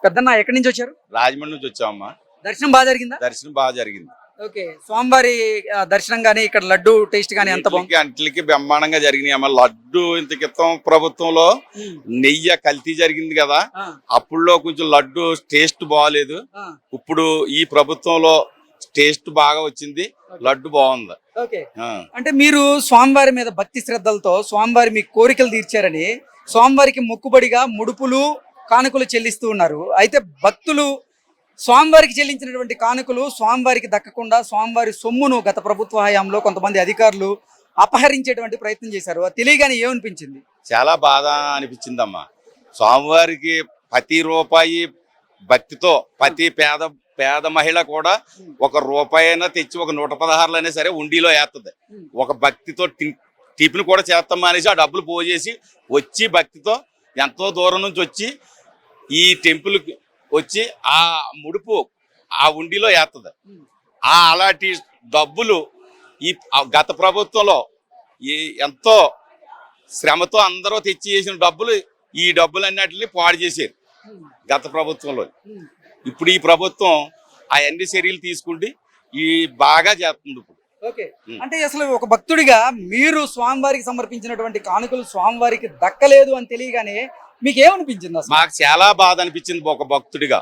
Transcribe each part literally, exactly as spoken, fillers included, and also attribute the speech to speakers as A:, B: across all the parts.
A: పెద్దన్న ఎక్కడి నుంచి వచ్చారు?
B: రాజమండ్రి నుంచి వచ్చామమ్మా.
A: దర్శనం బాగా జరిగిందా?
B: దర్శనం బాగా జరిగింది.
A: ఓకే, స్వామివారి ఆ, దర్శనం గానీ ఇక్కడ లడ్డు టేస్ట్ గానీ ఎంత బాగుంది?
B: అంట్లకి బ్రహ్మాండంగా జరిగినాయి అమ్మ. లడ్డు ఇంత క్రితం ప్రభుత్వంలో
A: ఉమ్,
B: నెయ్యి కల్తీ జరిగింది కదా,
A: ఆ,
B: అప్పుడులో కొంచెం లడ్డు టేస్ట్ బాగాలేదు.
A: ఆ,
B: ఇప్పుడు ఈ ప్రభుత్వంలో టేస్ట్ బాగా వచ్చింది, లడ్డు బాగుంది.
A: ఓకే.
B: ఆ.
A: అంటే మీరు స్వామివారి మీద భక్తి శ్రద్ధలతో స్వామివారి మీ కోరికలు తీర్చారని స్వామివారికి మొక్కుబడిగా ముడుపులు కానుకలు చెల్లిస్తూ ఉన్నారు. అయితే భక్తులు స్వామివారికి చెల్లించినటువంటి కానుకలు స్వామివారికి దక్కకుండా స్వామివారి సొమ్మును గత ప్రభుత్వ హయాంలో కొంతమంది అధికారులు అపహరించేటువంటి ప్రయత్నం చేశారు. అది తెలియగానే ఏమనిపించింది?
B: చాలా బాధ అనిపించిందమ్మా. స్వామివారికి ప్రతి రూపాయి భక్తితో ప్రతి పేద పేద మహిళ కూడా ఒక రూపాయి అయినా తెచ్చి ఒక నూట పదహారులు అయినా సరే ఉండిలో వేస్తుంది. ఒక భక్తితో టిఫిన్ కూడా చేస్తాం అనేసి ఆ డబ్బులు పోజేసి వచ్చి భక్తితో ఎంతో దూరం నుంచి వచ్చి ఈ టెంపుల్ వచ్చి ఆ ముడుపు ఆ ఉండిలో వేస్తుంది. ఆ అలాంటి డబ్బులు ఈ గత ప్రభుత్వంలో ఈ ఎంతో శ్రమతో అందరూ తెచ్చి చేసిన డబ్బులు ఈ డబ్బులు అన్నిటిని పాడు చేశారు గత ప్రభుత్వంలో. ఇప్పుడు ఈ ప్రభుత్వం అవన్నీ చర్యలు తీసుకుంటే ఈ బాగా చేస్తుంది ఇప్పుడు.
A: ఓకే, అంటే అసలు ఒక భక్తుడిగా మీరు స్వామివారికి సమర్పించినటువంటి కానుకలు స్వామివారికి దక్కలేదు అని తెలియగానే మీకు ఏమనిపించింది అసలు?
B: మాకు చాలా బాధ అనిపించింది ఒక భక్తుడిగా.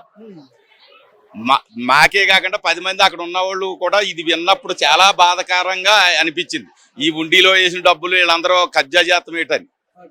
B: మా మాకే కాకుండా పది మంది అక్కడ ఉన్న వాళ్ళు కూడా ఇది విన్నప్పుడు చాలా బాధాకరంగా అనిపించింది. ఈ ఉండిలో వేసిన డబ్బులు వీళ్ళందరూ కబ్జా చేస్తాం ఏంటని.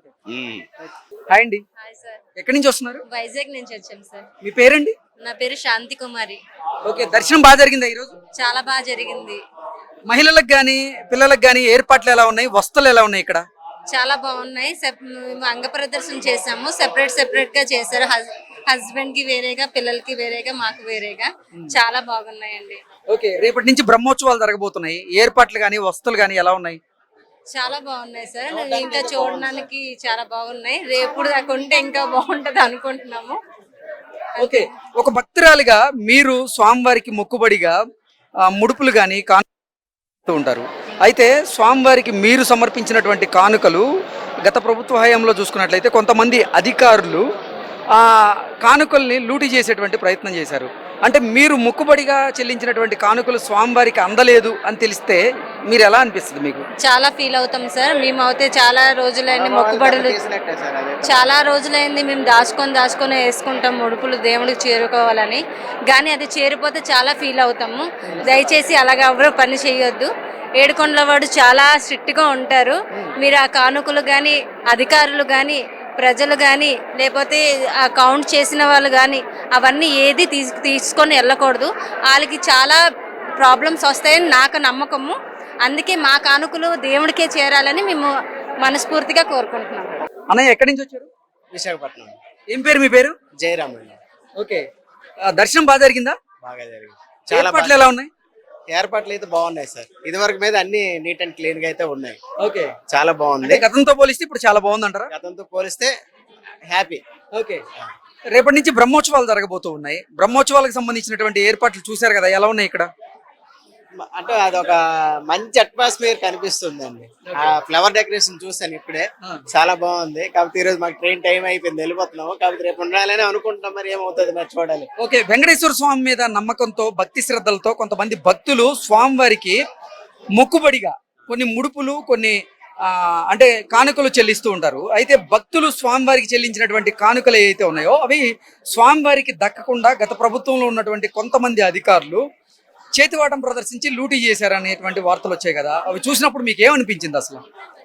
A: హాయ్ అండి,
C: హాయ్ సార్,
A: ఎక్కడి నుంచి వస్తున్నారు?
C: వైజాగ్ నుంచి వచ్చాం సార్.
A: మీ పేరండి?
C: నా పేరు శాంతి కుమారి.
A: ఓకే, దర్శనం బాగా జరిగిందా ఈరోజు?
C: చాలా బాగా జరిగింది.
A: మహిళలకు గానీ పిల్లలకు గానీ ఏర్పాట్లు ఎలా ఉన్నాయి? వస్తువులు ఎలా ఉన్నాయి ఇక్కడ?
C: చాలా బాగున్నాయి. సెప్- మేము అంగ ప్రదర్శన చేసాము. సెపరేట్ సెపరేట్ గా చేశారు. హస్బెండ్ కి వేరేగా, పిల్లలకి వేరేగా, మాకు వేరేగా. చాలా బాగున్నాయండి.
A: ఓకే, రేపటి నుంచి బ్రహ్మోత్సవాలు జరగబోతున్నాయి. ఏర్పాట్లు గానీ వస్తువులు గానీ ఎలా ఉన్నాయి?
C: చాలా బాగున్నాయి సార్. ఇంకా చూడడానికి చాలా బాగున్నాయి. రేపు దాకా ఉంటే ఇంకా బాగుంటది అనుకుంటున్నాము.
A: ఓకే, ఒక భక్తురాలిగా మీరు స్వామివారికి మొక్కుబడిగా ఆ, ముడుపులు గానీ కానుకలు ఉంటారు. అయితే స్వామివారికి మీరు సమర్పించినటువంటి కానుకలు గత ప్రభుత్వ హయాంలో చూసుకున్నట్లయితే కొంతమంది అధికారులు ఆ కానుకల్ని లూటీ చేసేటువంటి ప్రయత్నం చేశారు. అంటే మీరు మొక్కుబడిగా చెల్లించినటువంటి కానుకలు స్వామివారికి అందలేదు అని తెలిస్తే మీరు ఎలా అనిపిస్తుంది మీకు?
C: చాలా ఫీల్ అవుతాం సార్. మేము అయితే చాలా రోజులైంది మొక్కుబడులు, చాలా రోజులైంది మేము దాచుకొని దాచుకొని వేసుకుంటాం ముడుపులు దేవుడికి చేరుకోవాలని. కానీ అది చేరిపోతే చాలా ఫీల్ అవుతాము. దయచేసి అలాగ ఎవరు పని చేయొద్దు. ఏడుకొండల వాడు చాలా స్ట్రిక్ట్గా ఉంటారు. మీరు ఆ కానుకలు కానీ, అధికారులు కానీ, ప్రజలు కానీ, లేకపోతే ఆ కౌంట్ చేసిన వాళ్ళు కానీ అవన్నీ ఏది తీసు తీసుకొని వెళ్ళకూడదు. వాళ్ళకి చాలా ప్రాబ్లమ్స్ వస్తాయని నాకు నమ్మకము. అందుకే మా కానుకలు దేవుడికే చేరాలని మేము మనస్ఫూర్తిగా కోరుకుంటున్నాం.
A: అన్నయ్య ఎక్కడి నుంచి వచ్చారు?
D: విశాఖపట్నం.
A: ఏం పేరు మీ పేరు?
D: జయరామ్ అండి.
A: ఓకే, ఆ, దర్శనం బాగా జరిగిందా?
D: బాగా జరిగింది. చాలా
A: ఏర్పాట్లు ఎలా ఉన్నాయి?
D: ఏర్పాట్లు అయితే బాగున్నాయి సార్. ఇది వరకు మీద అన్ని నీట్ అండ్ క్లీన్ గా అయితే ఉన్నాయి.
A: ఓకే,
D: చాలా బాగుంది.
A: అంటే గతంతో పోలిస్తే ఇప్పుడు చాలా బాగుంది అంటారా?
D: గతంతో పోలిస్తే హ్యాపీ.
A: ఓకే, రేపటి నుంచి బ్రహ్మోత్సవాలు జరగబోతూ ఉన్నాయి. బ్రహ్మోత్సవాలకు సంబంధించినటువంటి ఏర్పాట్లు చూశారు కదా, ఎలా ఉన్నాయి ఇక్కడ?
D: అంటే అదొక మంచి అట్మాస్ఫియర్ కనిపిస్తుంది అండి. ఆ ఫ్లవర్ డెకరేషన్ చూసాను ఇప్పుడే, చాలా బాగుంది. కాకపోతే ఈ రోజు మాకు ట్రైన్ టైం అయిపోయింది, వెళ్ళిపోతున్నాము. కాకపోతే రేపు ఉండాలని అనుకుంటున్నాం, మరి ఏమవుతుంది మరి చూడాలి.
A: ఓకే, వెంకటేశ్వర స్వామి మీద నమ్మకంతో భక్తి శ్రద్ధలతో కొంతమంది భక్తులు స్వామివారికి మొక్కుబడిగా కొన్ని ముడుపులు కొన్ని ఆ అంటే కానుకలు చెల్లిస్తూ ఉంటారు. అయితే భక్తులు స్వామివారికి చెల్లించినటువంటి కానుకలు ఏవైతే ఉన్నాయో అవి స్వామివారికి దక్కకుండా గత ప్రభుత్వంలో ఉన్నటువంటి కొంతమంది అధికారులు చేతివాటం ప్రదర్శించి లూటీ చేశారనేటువంటి వార్తలు వచ్చాయి కదా, అవి చూసినప్పుడు మీకు ఏమనిపించింది అసలు?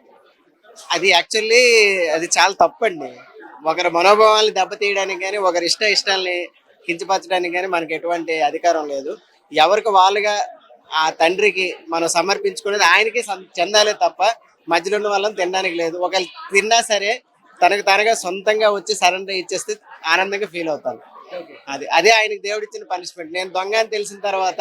D: అది యాక్చువల్లీ అది చాలా తప్పండి. ఒకరి మనోభావాల్ని దెబ్బతీయడానికి కానీ, ఒకరి ఇష్ట ఇష్టాలని కించపరచడానికి కానీ మనకి ఎటువంటి అధికారం లేదు. ఎవరికి వాళ్ళుగా ఆ తండ్రికి మనం సమర్పించుకునేది ఆయనకి చెందాలే తప్ప మధ్యలో ఉన్న వాళ్ళని తినడానికి లేదు. ఒకవేళ తిన్నా సరే తనకు తనగా సొంతంగా వచ్చి సరెండర్ ఇచ్చేస్తే ఆనందంగా ఫీల్ అవుతాను. అది అదే ఆయనకి దేవుడు ఇచ్చిన పనిష్మెంట్. నేను దొంగ అని తెలిసిన తర్వాత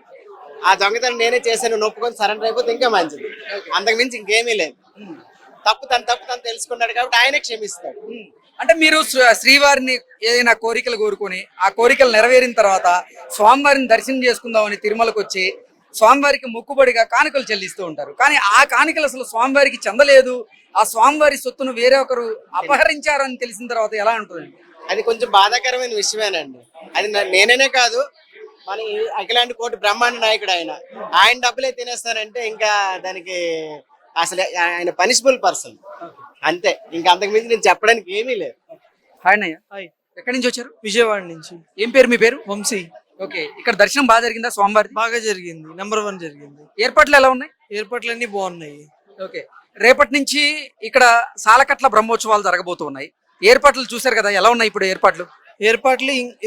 D: ఆ దొంగతనం నేనే చేశాను నొప్పుకొని సరెండర్ అయిపోతే ఇంకా మంచిది. అంతకు మించి ఇంకేమీ లేదు. తప్పు తను తప్పు తను తెలుసుకున్నాడు కాబట్టి ఆయనే క్షమిస్తాడు.
A: అంటే మీరు శ్రీవారిని ఏదైనా కోరికలు కోరుకొని ఆ కోరికలు నెరవేరిన తర్వాత స్వామివారిని దర్శనం చేసుకుందామని తిరుమలకు వచ్చి స్వామివారికి మొక్కుబడిగా కానుకలు చెల్లిస్తూ ఉంటారు. కానీ ఆ కానుకలు అసలు స్వామివారికి చెందలేదు, ఆ స్వామివారి సొత్తును వేరే ఒకరు అపహరించారు అని తెలిసిన తర్వాత ఎలా ఉంటుంది?
D: అది కొంచెం బాధాకరమైన విషయమేనండి. అది నా- నేననే కాదు, మన ఈ అఖిలాంటి కోటి బ్రహ్మాండ నాయకుడు ఆయన ఆయన డబ్బులే తినేస్తారంటే ఇంకా దానికి అసలు ఆయన పనిషబుల్ పర్సన్ అంతే. ఇంకా అంతకుమించి నేను చెప్పడానికి ఏమీ లేదు.
A: హాయ్ అన్నయ్య,
E: హాయ్,
A: ఎక్కడి నుంచి వచ్చారు?
E: విజయవాడ నుంచి
A: ఏం పేరు మీ పేరు?
E: వంశీ.
A: ఓకే, ఇక్కడ దర్శనం బాగా జరిగిందా స్వామివారి?
E: బాగా జరిగింది, నెంబర్ వన్ జరిగింది.
A: ఏర్పాట్లు ఎలా ఉన్నాయి?
E: ఏర్పాట్లన్నీ బాగున్నాయి.
A: ఓకే, రేపటి నుంచి ఇక్కడ సాలకట్ల బ్రహ్మోత్సవాలు జరగబోతున్నాయి. ఏర్పాట్లు చూశారు కదా, ఎలా ఉన్నాయి ఇప్పుడు ఏర్పాట్లు?
E: ఏర్పాట్లు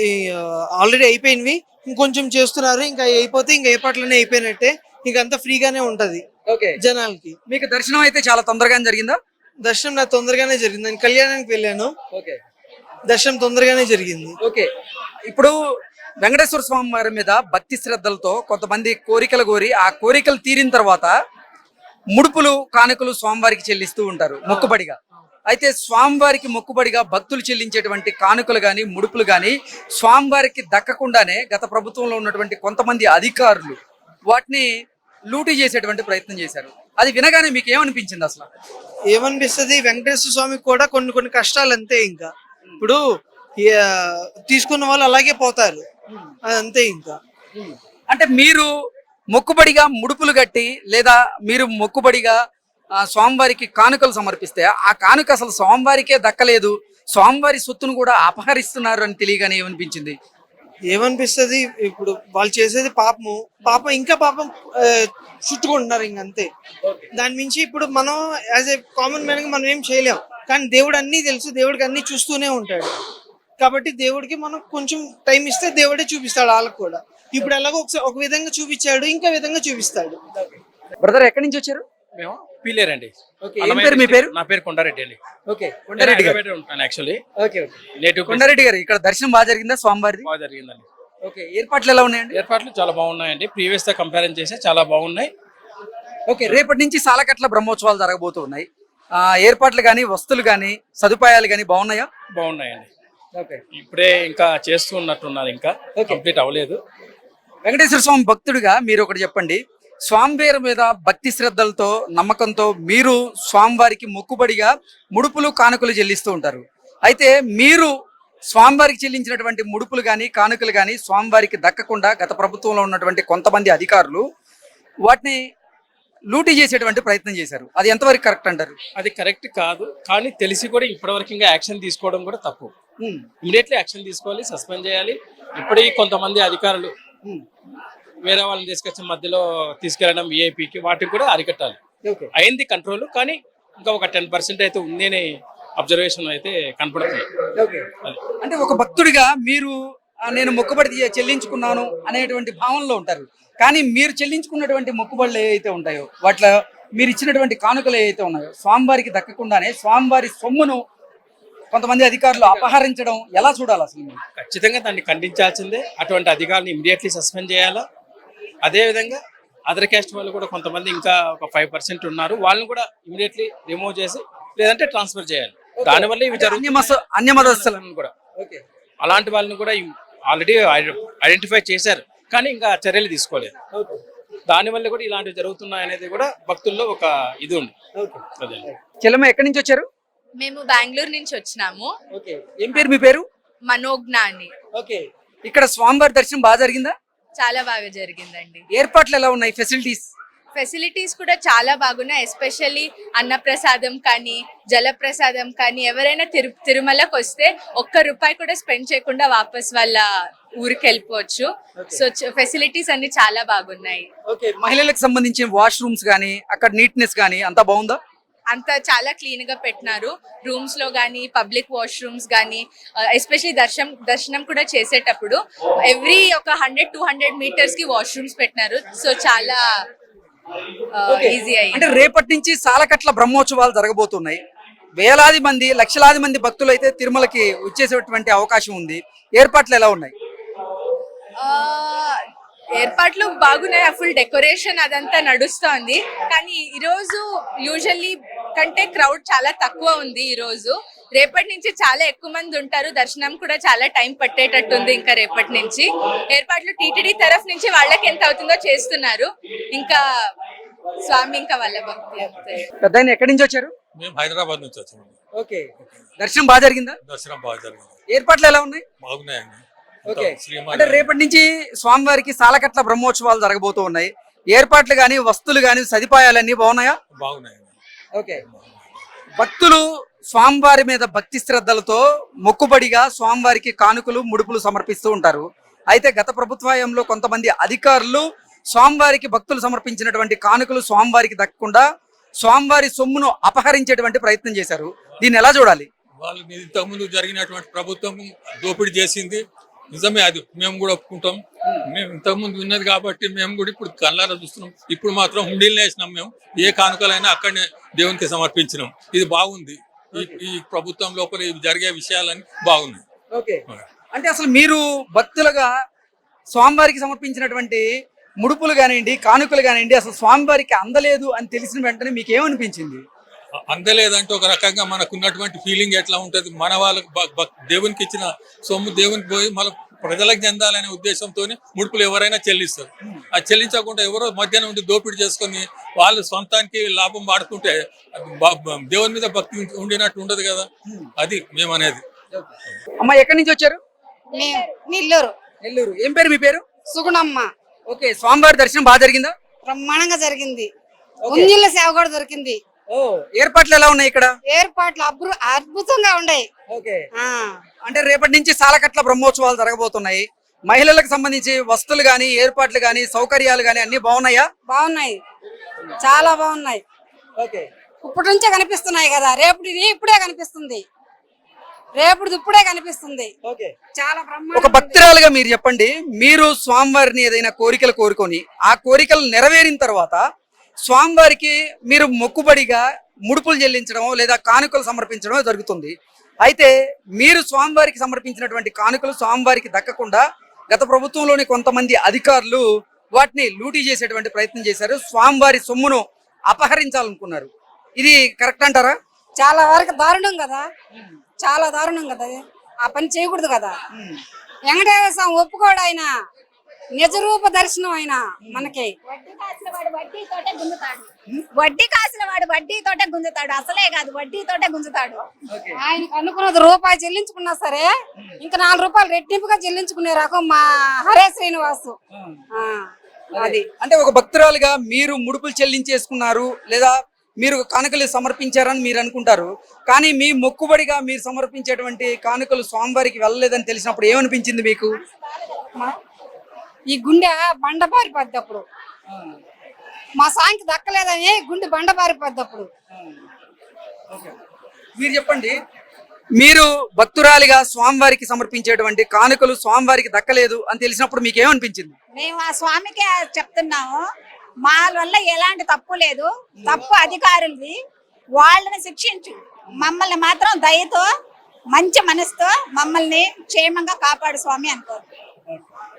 E: ఆల్రెడీ అయిపోయినవి, ఇంకొంచెం చేస్తున్నారు. ఇంకా అయిపోతే ఇంకా ఏర్పాట్లన్నీ అయిపోయినట్టే. ఇంకా అంతా ఫ్రీగానే ఉంటది
A: ఓకే,
E: జనాలకి.
A: మీకు దర్శనం అయితే చాలా తొందరగానే జరిగిందా?
E: దర్శనం నాకు తొందరగానే జరిగింది. నేను కళ్యాణానికి వెళ్ళాను,
A: ఓకే
E: దర్శనం తొందరగానే జరిగింది.
A: ఓకే, ఇప్పుడు వెంకటేశ్వర స్వామి వారి మీద భక్తి శ్రద్ధలతో కొంతమంది కోరికలు కోరి ఆ కోరికలు తీరిన తర్వాత ముడుపులు కానుకలు స్వామివారికి చెల్లిస్తూ ఉంటారు మొక్కుబడిగా. అయితే స్వామివారికి మొక్కుబడిగా భక్తులు చెల్లించేటువంటి కానుకలు కానీ ముడుపులు కానీ స్వామివారికి దక్కకుండానే గత ప్రభుత్వంలో ఉన్నటువంటి కొంతమంది అధికారులు వాటిని లూటీ చేసేటువంటి ప్రయత్నం చేశారు. అది వినగానే మీకు ఏమనిపించింది అసలు?
E: ఏమనిపిస్తుంది, వెంకటేశ్వర స్వామికి కూడా కొన్ని కొన్ని కష్టాలు అంతే. ఇంకా ఇప్పుడు ఆ, తీసుకున్న వాళ్ళు అలాగే పోతారు, అది అంతే. ఇంకా
A: అంటే మీరు మొక్కుబడిగా ముడుపులు కట్టి లేదా మీరు మొక్కుబడిగా ఆ, స్వామివారికి కానుకలు సమర్పిస్తే ఆ కానుక అసలు స్వామివారికే దక్కలేదు, స్వామివారి సొత్తును కూడా అపహరిస్తున్నారు అని తెలియగానే ఏమనిపించింది?
E: ఏమనిపిస్తుంది, ఇప్పుడు వాళ్ళు చేసేది పాపము, పాపం ఇంకా పాపం ఆ, చుట్టుకుంటున్నారు ఇంక అంతే. దాని మించి ఇప్పుడు మనం యాజ్ ఏ కామన్ మ్యాన్ గా మనం ఏం చేయలేం. కానీ దేవుడు అన్నీ తెలుసు, దేవుడికి అన్ని చూస్తూనే ఉంటాడు. కాబట్టి దేవుడికి మనం కొంచెం టైం ఇస్తే దేవుడే చూపిస్తాడు వాళ్ళకి కూడా. ఇప్పుడు ఎలాగో ఒకసారి ఒక విధంగా చూపించాడు, ఇంకా విధంగా చూపిస్తాడు.
A: బ్రదర్ ఎక్కడి నుంచి వచ్చారు?
F: మేము పీలేరండి.
A: ఓకే, ఏం పేరు మీ పేరు?
F: నా పేరు కొండారెడ్డి అండి.
A: ఓకే, కొండారెడ్డి గారు.
F: హైదరాబాద్ ఉంటాను actually.
A: Okay okay,
F: native
A: Kondareddy గారు, ఇక్కడ దర్శనం బాగా జరిగిందా స్వామివారిది?
F: బాగా జరిగిందండి.
A: ఓకే, ఏర్పాట్లు ఎలా ఉన్నాయండి?
F: ఏర్పాట్లు చాలా బాగున్నాయండి, ప్రీవియస్ తో కంపారిజన్ చేస్తే చాలా బాగున్నాయి.
A: ఓకే, రేపటి నుంచి సాలకట్ల బ్రహ్మోత్సవాలు జరగబోతూ ఉన్నాయి. ఆ, ఏర్పాట్లు కానీ వస్తువులు కానీ సదుపాయాలు కానీ బాగున్నాయా?
F: బాగున్నాయండి.
A: ఓకే,
F: ఇప్పుడే ఇంకా చేస్తూ ఉన్నట్టున్నారు, ఇంకా
A: Okay.
F: కంప్లీట్ అవ్వలేదు.
A: వెంకటేశ్వర స్వామి భక్తుడిగా మీరు ఒకటి చెప్పండి. స్వామివారి మీద భక్తి శ్రద్ధలతో నమ్మకంతో మీరు స్వామివారికి మొక్కుబడిగా ముడుపులు కానుకలు చెల్లిస్తూ ఉంటారు. అయితే మీరు స్వామివారికి చెల్లించినటువంటి ముడుపులు కానీ కానుకలు కానీ స్వామివారికి దక్కకుండా గత ప్రభుత్వంలో ఉన్నటువంటి కొంతమంది అధికారులు వాటిని లూటీ చేసేటువంటి ప్రయత్నం చేశారు. అది ఎంతవరకు కరెక్ట్ అంటారు?
F: అది కరెక్ట్ కాదు, కానీ తెలిసి కూడా ఇప్పటివరకు ఇంకా యాక్షన్ తీసుకోవడం కూడా తప్పు.
A: ఉమ్,
F: ఇమీడియట్లీ యాక్షన్ తీసుకోవాలి, సస్పెండ్ చేయాలి. ఇప్పటికీ కొంతమంది అధికారులు
A: ఉమ్,
F: వేరే వాళ్ళని తీసుకొచ్చి మధ్యలో తీసుకెళ్ళడం విఐపికి వాటికి కూడా అరికట్టాలి.
A: ఓకే
F: అయింది కంట్రోల్, కానీ ఇంకా ఒక టెన్ పర్సెంట్ అయితే ఉంది అని అబ్జర్వేషన్ అయితే కనపడుతుంది.
A: ఓకే, అంటే ఒక భక్తుడిగా మీరు ఆ, నేను మొక్కుబడి చె- చెల్లించుకున్నాను అనేటువంటి భావనలో ఉంటారు. కానీ మీరు చెల్లించుకున్నటువంటి మొక్కుబడులు ఏవైతే ఉంటాయో వాటిలో మీరు ఇచ్చినటువంటి కానుకలు ఏవైతే ఉన్నాయో స్వామివారికి దక్కకుండానే స్వామివారి సొమ్మును కొంతమంది అధికారులు అపహరించడం ఎలా చూడాలి అసలు మీరు?
F: ఖచ్చితంగా దాన్ని ఖండించాల్సిందే. అటువంటి అధికారులను ఇమీడియట్లీ సస్పెండ్ చేయాలా. అదేవిధంగా అదర్ క్యాస్ట్ వాళ్ళు కూడా కొంతమంది ఇంకా ఒక ఫైవ్ పర్సెంట్ ఉన్నారు, వాళ్ళని కూడా ఇమీడియట్లీ రిమూవ్ చేసి లేదంటే ట్రాన్స్ఫర్ చేయాలి. దానివల్ల ఇవి
A: అన్యమత అన్యమతస్థులను
F: జరుగుతుంది కూడా.
A: ఓకే,
F: అలాంటి వాళ్ళని కూడా ఆల్రెడీ ఐడెంటిఫై చేశారు, కానీ ఇంకా చర్యలు తీసుకోలేదు.
A: ఓకే,
F: దానివల్ల కూడా ఇలాంటివి జరుగుతున్నాయి అనేది కూడా భక్తుల్లో ఒక ఇది ఉంది.
A: ఓకే.
F: అదే
A: చెల్లమ్మ ఎక్కడి నుంచి వచ్చారు?
C: మేము బెంగళూరు నుంచి వచ్చినాము.
A: ఓకే, ఏం పేరు మీ పేరు?
C: మనోజ్ఞ అని.
A: ఓకే, ఇక్కడ స్వామివారి దర్శనం బాగా జరిగిందా?
C: చాలా బాగా జరిగిందండి.
A: ఏర్పాట్లు ఎలా ఉన్నాయి? ఫెసిలిటీస్?
C: ఫెసిలిటీస్ కూడా చాలా బాగున్నాయి. ఎస్పెషల్లీ అన్నప్రసాదం కానీ జలప్రసాదం కానీ ఎవరైనా తిరు తిరుమలకు వస్తే ఒక్క రూపాయి కూడా స్పెండ్ చేయకుండా వాపస్ వాళ్ళ ఊరికి వెళ్ళిపోవచ్చు. సో ఫెసిలిటీస్ అన్ని చాలా బాగున్నాయి.
A: ఓకే, మహిళలకు సంబంధించిన వాష్రూమ్స్ కానీ అక్కడ నీట్నెస్ కానీ అంతా బాగుందా?
C: అంతా చాలా క్లీన్ గా పెట్టినారు. రూమ్స్ లో గానీ పబ్లిక్ వాష్రూమ్స్ గానీ ఎస్పెషల్లీ దర్శనం దర్శనం కూడా చేసేటప్పుడు ఎవ్రీ ఒక హండ్రెడ్ టూ హండ్రెడ్ మీటర్స్ కి వాష్రూమ్స్ పెట్టినారు. సో చాలా ఈజీ అయ్యింది.
A: అంటే రేపటి నుంచి సాలకట్ల బ్రహ్మోత్సవాలు జరగబోతున్నాయి. వేలాది మంది లక్షలాది మంది భక్తులు అయితే తిరుమలకి వచ్చేసేటువంటి అవకాశం ఉంది. ఏర్పాట్లు ఎలా ఉన్నాయి?
C: ఆ, ఏర్పాట్లు బాగున్నాయి. ఫుల్ డెకరేషన్ అదంతా నడుస్తోంది. కానీ ఈ రోజు యూజువల్లీ కంటే క్రౌడ్ చాలా తక్కువ ఉంది ఈ రోజు. రేపటి నుంచి చాలా ఎక్కువ మంది ఉంటారు. దర్శనం కూడా చాలా టైం పట్టేటట్టుంది. ఇంకా రేపటి నుంచి ఏర్పాట్లు టీటీడీ తరఫు నుంచి వాళ్ళకి ఎంత అవుతుందో చేస్తున్నారు. ఇంకా స్వామి ఇంకా వాళ్ళ భక్తి అంతే.
A: పెద్దాయన ఎక్కడి నుంచి వచ్చారు?
G: మేము హైదరాబాద్ నుంచి వచ్చాము.
A: ఓకే, దర్శనం బాగా జరిగిందా?
G: దర్శనం బాగా జరిగింది.
A: ఏర్పాట్లు ఎలా ఉన్నాయి?
G: బాగున్నాయండి.
A: ఓకే.
G: శ్రీమాన్
A: అంటే రేపటి నుంచి స్వామివారికి సాలకట్ల బ్రహ్మోత్సవాలు జరగబోతూ ఉన్నాయి. ఏర్పాట్లు గాని, వస్తువులు గాని, సదుపాయాలన్నీ బాగున్నాయా?
G: బాగున్నాయండి.
A: ఓకే. భక్తులు స్వామివారి మీద భక్తి శ్రద్ధలతో మొక్కుబడిగా స్వామివారికి కానుకలు, ముడుపులు సమర్పిస్తూ ఉంటారు. అయితే గత ప్రభుత్వంలో కొంతమంది అధికారులు స్వామివారికి భక్తులు సమర్పించినటువంటి కానుకలు స్వామివారికి దక్కకుండా స్వామివారి సొమ్మును అపహరించేటువంటి ప్రయత్నం చేశారు. దీన్ని ఎలా చూడాలి?
G: వాళ్ళు ఇంతకుముందు జరిగినటువంటి ప్రభుత్వం దోపిడీ చేసింది నిజమే, అది మేము కూడా ఒప్పుకుంటాం. మేము ఇంతకుముందు ఉన్నది కాబట్టి మేము కూడా ఇప్పుడు కళ్ళారా చూస్తున్నాం. ఇప్పుడు మాత్రం హుండీలు వేసినాం. మేము ఏ కానుకలైనా అక్కడనే దేవునికి సమర్పించినాం. ఇది బాగుంది. ఈ ఈ ప్రభుత్వం లోపల ఇవి జరిగే విషయాలని బాగున్నాయి.
A: ఓకే. అంటే అసలు మీరు భక్తులుగా స్వామివారికి సమర్పించినటువంటి ముడుపులు కానివ్వండి, కానుకలు కానివ్వండి, అసలు స్వామివారికి అందలేదు అని తెలిసిన వెంటనే మీకు ఏమనిపించింది?
G: అందలేదంటే ఒక రకంగా మనకు ఉన్నటువంటి ఫీలింగ్ ఎట్లా ఉంటది, మన వాళ్ళకి బ- బ- దేవునికి ఇచ్చిన సొమ్ము దేవునికి పోయి మన ప్రజలకు చెందాలనే ఉద్దేశంతో ముడుపులు ఎవరైనా చెల్లిస్తారు. ఆ చెల్లించకుండా ఎవరో మధ్యాహ్నం ఉండి దోపిడీ చేసుకొని వాళ్ళు సొంతానికి లాభం వాడుకుంటే అది బ- బ- దేవుని మీద భక్తి ఉండినట్టు ఉండదు కదా. అది మేము అనేది.
A: అమ్మ ఎక్కడి నుంచి వచ్చారు?
H: నెల్లూరు
A: నెల్లూరు. ఏం పేరు మీ పేరు?
H: సుగుణమ్మ.
A: ఓకే. స్వామివారి దర్శనం బాగా జరిగిందా?
H: బ్రహ్మాండంగా జరిగింది.
A: ఓకే.
H: ఉంజుల సేవ కూడా దొరికింది.
A: ఓ, ఏర్పాట్లు ఎలా ఉన్నాయి ఇక్కడ?
H: ఏర్పాట్లు అభృ అద్భుతంగా ఉన్నాయి.
A: ఓకే.
H: ఆ
A: అంటే రేపటి నుంచి సాలకట్ల బ్రహ్మోత్సవాలు జరగబోతున్నాయి. మహిళలకు సంబంధించి వస్తువులు గాని, ఏర్పాట్లు గాని, సౌకర్యాలు గాని అన్ని బాగున్నాయా?
H: బాగున్నాయి, చాలా బాగున్నాయి.
A: ఓకే.
H: ఇప్పటి నుంచే కనిపిస్తున్నాయి కదా, రేపు ఇప్పుడే కనిపిస్తుంది, రేపు ఇప్పుడే కనిపిస్తుంది.
A: ఓకే.
H: చాలా
A: ఒక
H: బ్రహ్మాండంగా ఉంది.
A: భక్తురాలుగా మీరు చెప్పండి, మీరు స్వామివారిని ఏదైనా కోరికలు కోరుకొని ఆ కోరికలు నెరవేరిన తర్వాత స్వామివారికి మీరు మొక్కుబడిగా ముడుపులు చెల్లించడం లేదా కానుకలు సమర్పించడం జరుగుతుంది. అయితే మీరు స్వామివారికి సమర్పించినటువంటి కానుకలు స్వామివారికి దక్కకుండా గత ప్రభుత్వంలోని కొంతమంది అధికారులు వాటిని లూటీ చేసేటువంటి ప్రయత్నం చేశారు. స్వామివారి సొమ్మును అపహరించాలనుకున్నారు. ఇది కరెక్ట్ అంటారా?
H: చాలా వరకు దారుణం కదా, చాలా దారుణం కదా. అది. ఆ పని చేయకూడదు కదా. వెంకటేశ్వర స్వామి ఒప్పుకోడు, ఆయన నిజ రూప దర్శనం ఆయన మనకి.
I: వడ్డీ కాసిన వాడు వడ్డీతోటే గుంజుతాడు. వడ్డీ కాసిన వాడు వడ్డీతోటే గుంజుతాడు. అసలే కాదు, వడ్డీతోటే గుంజుతాడు.
H: ఆయనకు అనుకున్నది రూపాయి చెల్లించుకున్నా సరే ఇంకా నాలుగు రూపాయలు రెట్టింపుగా చెల్లించుకునే రకం మా హరే శ్రీనివాసు. ఆ,
A: అది అంటే ఒక భక్తురాలుగా మీరు ముడుపులు చెల్లించేసుకున్నారు లేదా మీరు కానుకలు సమర్పించారని మీరు అనుకుంటారు. కానీ మీ మొక్కుబడిగా మీరు సమర్పించేటువంటి కానుకలు స్వామివారికి వెళ్ళలేదని తెలిసినప్పుడు ఏమనిపించింది మీకు?
H: ఈ గుండె బండ పారిపోద్ది అప్పుడు, మా సాంకి దక్కలేదని గుండె బండ పారిపోద్ది అప్పుడు.
A: మీరు చెప్పండి, మీరు భక్తురాలిగా స్వామివారికి సమర్పించేటువంటి కానుకలు స్వామివారికి దక్కలేదు అని తెలిసినప్పుడు మీకు ఏమనిపించింది?
I: మేము ఆ స్వామికే చెప్తున్నాము, మా వల్ల ఎలాంటి తప్పు లేదు, తప్పు అధికారులది, వాళ్ళని శిక్షించు, మమ్మల్ని మాత్రం దయతో మంచి మనసుతో మమ్మల్ని క్షేమంగా కాపాడు స్వామి అనుకో.